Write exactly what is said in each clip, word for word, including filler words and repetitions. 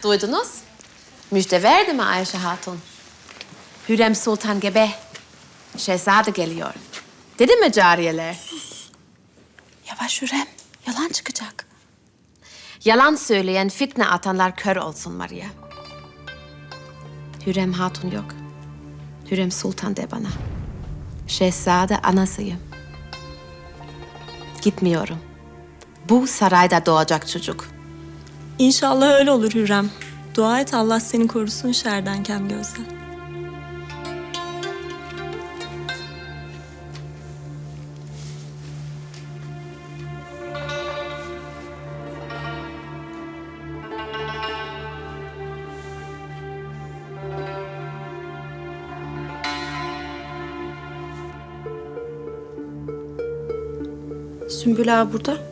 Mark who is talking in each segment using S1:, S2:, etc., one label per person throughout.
S1: Duydunuz? Müjde verdi mi Ayşe Hatun? Hürrem Sultan gebe. Şehzade geliyor. Dedi mi cariyeler?
S2: Yavaş Hürrem, yalan çıkacak.
S1: Yalan söyleyen, fitne atanlar kör olsun Maria. Hürrem Hatun yok. Hürrem Sultan de bana. Şehzade anasıyım. Gitmiyorum. Bu sarayda doğacak çocuk.
S2: İnşallah öyle olur Hürrem. Dua et Allah seni korusun şerden kem gözden.
S3: Sümbül ağa burada.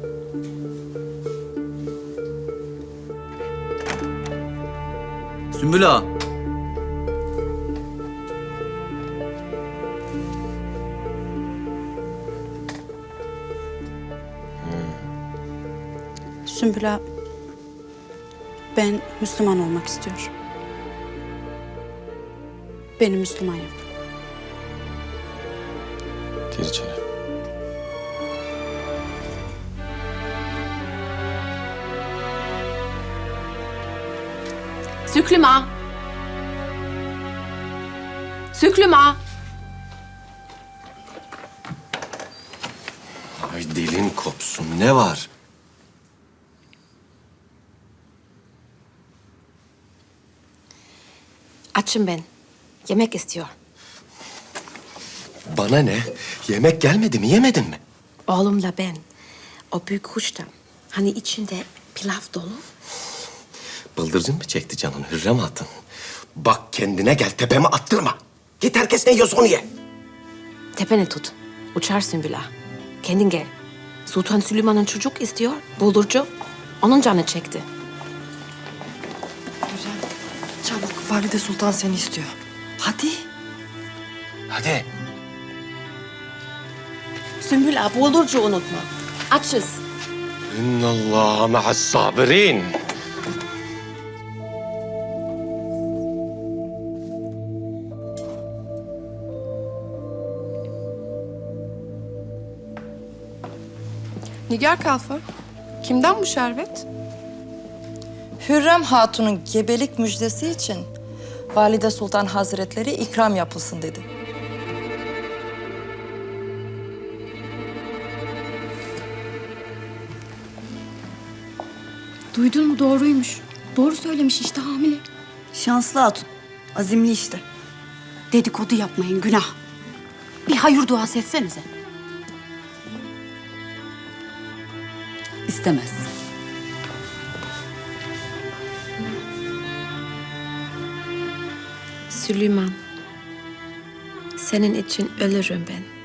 S4: Sümbül ağa.
S3: Sümbül ağa, ben Müslüman olmak istiyorum. Beni Müslüman yap.
S5: Gir içeri.
S1: Süklüm ağa. Süklüm ağa.
S5: Ay dilin kopsun. Ne var?
S1: Açım ben. Yemek istiyor.
S5: Bana ne? Yemek gelmedi mi? Yemedin mi?
S1: Oğlumla ben. O büyük kuşta. Hani içinde pilav dolu.
S5: Bıldırcın mı çekti canın Hürrem Hatun? Bak kendine gel, tepeme attırma. Git herkes ne yiyorsa onu ye.
S1: Tepeni tut. Uçar Sümbül ağa. Kendin gel. Sultan Süleyman'ın çocuk istiyor. Buldurcu. Onun canı çekti.
S6: Çabuk, Valide Sultan seni istiyor. Hadi.
S5: Hadi.
S1: Sümbül ağa buldurcu unutma. Açız.
S5: İnnallâhe ma'as sabirin.
S6: Nigar Kalfa, kimden bu şerbet?
S7: Hürrem Hatun'un gebelik müjdesi için Valide Sultan Hazretleri ikram yapılsın dedi.
S8: Duydun mu? Doğruymuş. Doğru söylemiş işte, hamile.
S6: Şanslı hatun, azimli işte.
S8: Dedikodu yapmayın, günah. Bir hayır duası etsenize.
S6: İstemez.
S1: Süleyman. Senin için ölürüm ben.